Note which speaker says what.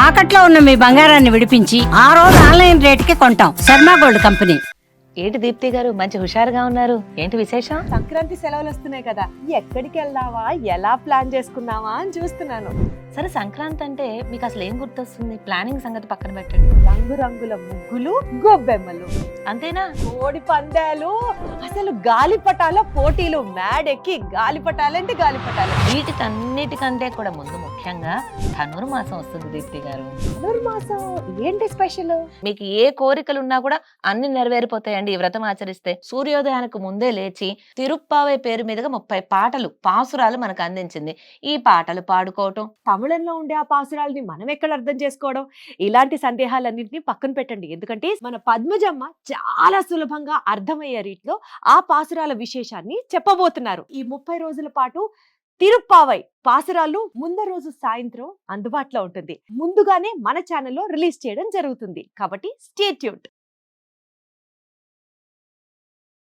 Speaker 1: తాకట్లో ఉన్న మీ బంగారాన్ని విడిపించి ఆ రోజు ఆన్లైన్ రేటుకి కొంటాం. Sharma gold company.
Speaker 2: ఏంటి దీప్తి గారు మంచి హుషారుగా ఉన్నారు, ఏంటి విశేషం?
Speaker 3: సంక్రాంతి సెలవులు వస్తున్నాయి కదా, ఎక్కడికి వెళ్దావా, ఎలా ప్లాన్ చేసుకుందామా అని చూస్తున్నాను.
Speaker 2: సరే, సంక్రాంతి అంటే మీకు అసలు ఏం గుర్తొస్తుంది? ప్లానింగ్ సంగతి పక్కన పెట్టండి.
Speaker 3: రంగురంగుల ముగ్గులు, గొబ్బెమ్మలు,
Speaker 2: అంతేనా?
Speaker 3: కోడి పందాలు, అసలు గాలిపటాల పోటీలు, మేడెక్కి గాలిపటాలంటే గాలిపటాలు.
Speaker 2: వీటికన్నిటికంటే కూడా ముందు ముఖ్యంగా ధనుర్మాసం వస్తుంది దీప్తి గారు.
Speaker 3: ధనుర్మాసం ఏంటి స్పెషల్?
Speaker 2: మీకు ఏ కోరికలు ఉన్నా కూడా అన్ని నెరవేరిపోతాయండి ఈ వ్రతం ఆచరిస్తే. సూర్యోదయానికి ముందే లేచి తిరుప్పావై పేరు మీదుగా 30 పాటలు, పాసురాలు మనకు అందించింది. ఈ పాటలు పాడుకోవటం,
Speaker 3: తమిళంలో ఉండే ఆ పాసురాలని మనం ఎక్కడ అర్థం చేసుకోవడం, ఇలాంటి సందేహాలన్నింటినీ పక్కన పెట్టండి. ఎందుకంటే మన పద్మజమ్మ చాలా సులభంగా అర్థమయ్యే రీతిలో ఆ పాసురాల విశేషాన్ని చెప్పబోతున్నారు. ఈ 30 రోజుల పాటు తిరుప్పావై పాసురాలు ముందు రోజు సాయంత్రం అందుబాటులో ఉంటుంది. ముందుగానే మన ఛానల్లో రిలీజ్ చేయడం జరుగుతుంది. కాబట్టి స్టే ట్యూన్డ్.